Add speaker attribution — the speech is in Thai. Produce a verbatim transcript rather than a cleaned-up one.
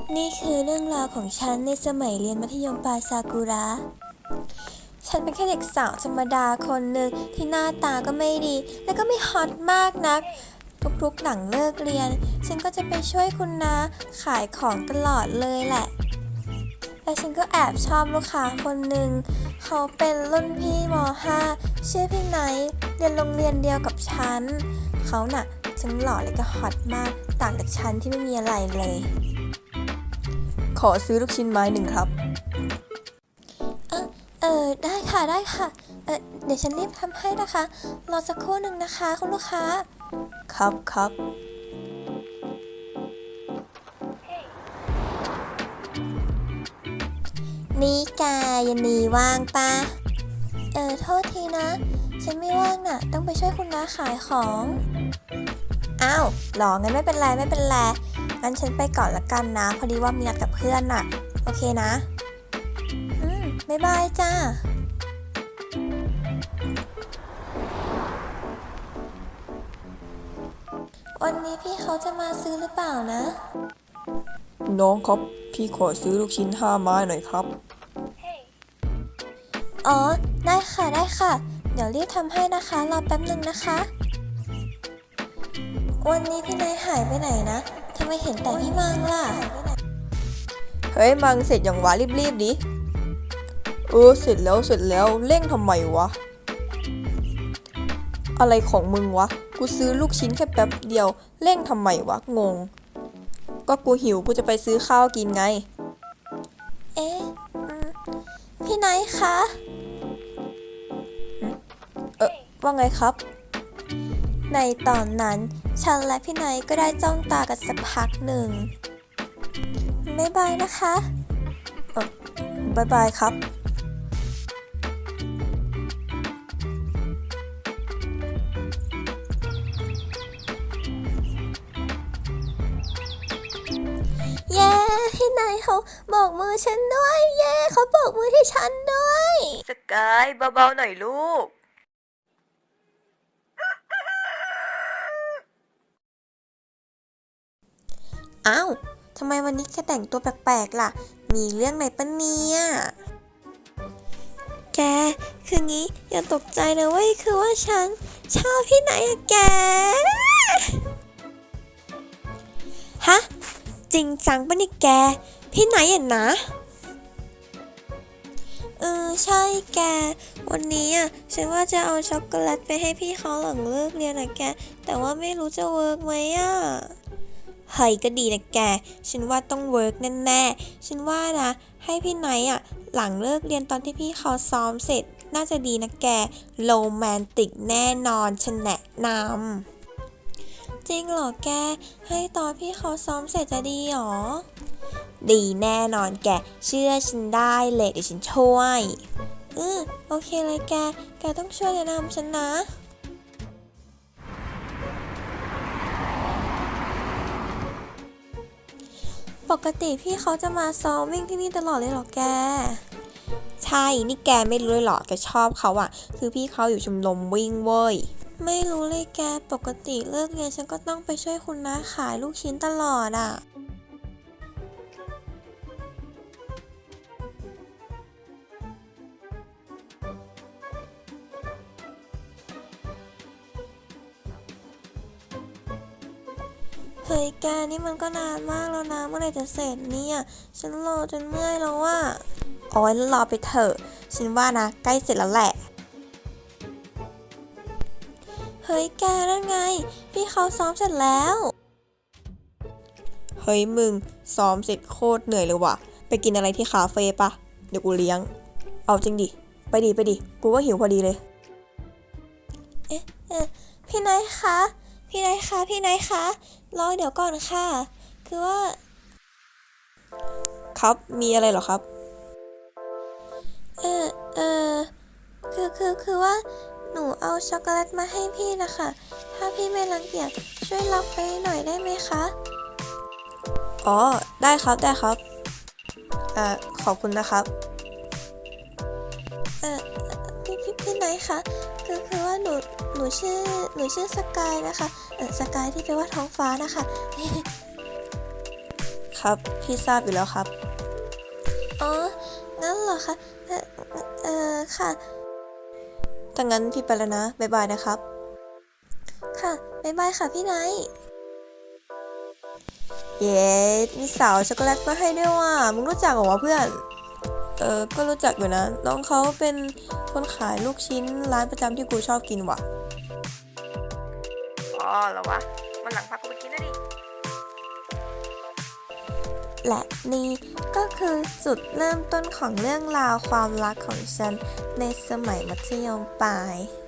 Speaker 1: นี่คือเรื่องราวของฉันในสมัยเรียนมัธยมปลายซากุระ ฉันเป็นแค่เด็กสาวธรรมดาคนหนึ่งที่หน้าตาก็ไม่ดี และก็ไม่ฮอตมากนัก ทุกๆหลังเลิกเรียน ฉันก็จะไปช่วยคุณน้าขายของตลอดเลยแหละ และฉันก็แอบชอบลูกค้าคนหนึ่ง เขาเป็นรุ่นพี่ม .ห้า ชื่อพี่ไนท์เรียนโรงเรียนเดียวกับฉัน เขาน่ะทั้งหล่อและก็ฮอตมาก ต่างจากฉันที่ไม่มีอะไรเลย
Speaker 2: ขอซื้อลูกชิ้นไม้หนึ่งครับ
Speaker 1: เออเออได้ค่ะได้ค่ะ เออเดี๋ยวฉันรีบทำให้นะคะ รอสักครู่หนึ่งนะคะคุณลูกค้า
Speaker 2: ครับครับ
Speaker 1: นี่แกยันนีว่างปะเออโทษทีนะ ฉันไม่ว่างน่ะ ต้องไปช่วยคุณน้าขายของ อ้าวหรองั้นไม่เป็นไรไม่เป็นไร งั้นฉันไปก่อนละกันนะ พอดีว่ามีนัดกับเพื่อนน่ะ โอเคนะ อืมบ๊ายบายจ้า วันนี้พี่เขาจะมาซื้อหรือเปล่านะ
Speaker 2: น้องครับ พี่ขอซื้อลูกชิ้นห้าไม้หน่อยครับ
Speaker 1: อ๋อ ได้ค่ะได้ค่ะ เดี๋ยวรีบทำให้นะคะ รอแป๊บหนึ่งนะคะ วันนี้พี่นายหายไปไหนนะทำไมเห็นแต่พี่มังล่ะ
Speaker 2: เฮ้ยมังเสร็จอย่างวะรีบๆดิเออเสร็จแล้วเสร็จแล้วเร่งทำไมวะ อะไรของมึงวะ กูซื้อลูกชิ้นแค่แป๊บเดียวเร่งทำไมวะงง ก็กูหิวกูจะไปซื้อข้าวกินไง
Speaker 1: เอ๊ะอืมพี่นายคะ
Speaker 2: เออว่าไงครับ
Speaker 1: ในตอนนั้นฉันและพี่นายก็ได้จ้องตากันสักพักหนึ่งบ๊ายบายนะคะ
Speaker 2: บายบายครับ
Speaker 1: เย้พี่นายเขาบอกมือฉันด้วย เย้เขาบอกมือให้ฉันด้วย
Speaker 2: สกายเบาๆหน่อยลูก
Speaker 1: อ้าวทำไมวันนี้แกแต่งตัวแปลกๆล่ะ มีเรื่องไหนปะเนี่ยแกคืองี้อย่าตกใจนะเว้ยคือว่าฉันชอบพี่ไหนอะแกฮะจริงจังปะเนี่ยแกพี่ไหนอะนะเออใช่แกวันนี้อ่ะฉันว่าจะเอาช็อกโกแลตไปให้พี่เขาหลังเลิกเรียนนะแกแต่ว่าไม่รู้จะเวิร์กไหมอ่ะเฮ้ยก็ดีนะแกฉันว่าต้องเวิร์กแน่ๆฉันว่านะให้พี่ไนท์อ่ะหลังเลิกเรียนตอนที่พี่เขาซ้อมเสร็จน่าจะดีนะแกโรแมนติกแน่นอนฉันแนะนำจริงเหรอแกให้ตอนพี่เขาซ้อมเสร็จจะดีหรอดีแน่นอนแกเชื่อฉันได้เลยเดี๋ยวฉันช่วยอือโอเคเลยแกแกต้องช่วยแนะนำฉันนะปกติพี่เขาจะมาซ้อมวิ่งที่นี่ตลอดเลยเหรอแกใช่นี่แกไม่รู้เลยเหรอแกชอบเขาอะคือพี่เขาอยู่ชมรมวิ่งเว้ยไม่รู้เลยแกปกติเลิกเรียนฉันก็ต้องไปช่วยคุณน้าขายลูกชิ้นตลอดอะเฮ้ยแกนี่มันก็นานมากแล้วนะเมื่อไหร่จะเสร็จเนี่ยฉันรอจนเมื่อยแล้วอะโอ้ยรอไปเถอะฉันว่านะใกล้เสร็จแล้วแหละเฮ้ยแกนั่นไงพี่เขาซ้อมเสร็จแล้ว
Speaker 2: เฮ้ยมึงซ้อมเสร็จโคตรเหนื่อยเลยว่ะ ไปกินอะไรที่คาเฟ่ปะเดี๋ยวกูเลี้ยง เอาจริงดิ ไปดิไปดิ กูก็หิวพอดีเลย
Speaker 1: เอ๊ะเอ๊ะพี่นายคะ พี่นายคะ พี่นายคะ รอเดี๋ยวก่อนค่ะ คือว่า
Speaker 2: ครับ มีอะไรเหรอครับ
Speaker 1: เออเออคือคือคือว่า หนูเอาช็อกโกแลตมาให้พี่นะคะ ถ้าพี่ไม่รังเกียจช่วยรับไปหน่อยได้ไหมคะ
Speaker 2: อ๋อ ได้ครับ ได้ครับอ่าขอบคุณนะครับ
Speaker 1: เออพี่พี่พี่นายคะ คือคือว่าหนูหนูชื่อหนูชื่อสกายนะคะ เออสกายที่แปลว่าท้องฟ้านะคะ
Speaker 2: ครับ พี่ทราบอยู่แล้วครับ
Speaker 1: อ๋อ งั้นเหรอคะ เอ่อเอ่อค่ะ
Speaker 2: ถ้างั้นพี่ไปแล้วนะ บ๊ายบายนะครับ
Speaker 1: ค่ะ บ๊ายบายค่ะพี่ไนท์
Speaker 2: เย้มีสาวช็อกโกแลตมาให้ด้วยว่ะมึงรู้จักเหรอวะเพื่อน เออ ก็รู้จักอยู่นะ น้องเขาเป็นคนขายลูกชิ้นร้านประจำที่กูชอบกินว่ะ อ๋อเหรอวะมันหลังพากูไปกินนะดิ
Speaker 1: และนี่ก็คือจุดเริ่มต้นของเรื่องราวความรักของฉันในสมัยมัธยมปลาย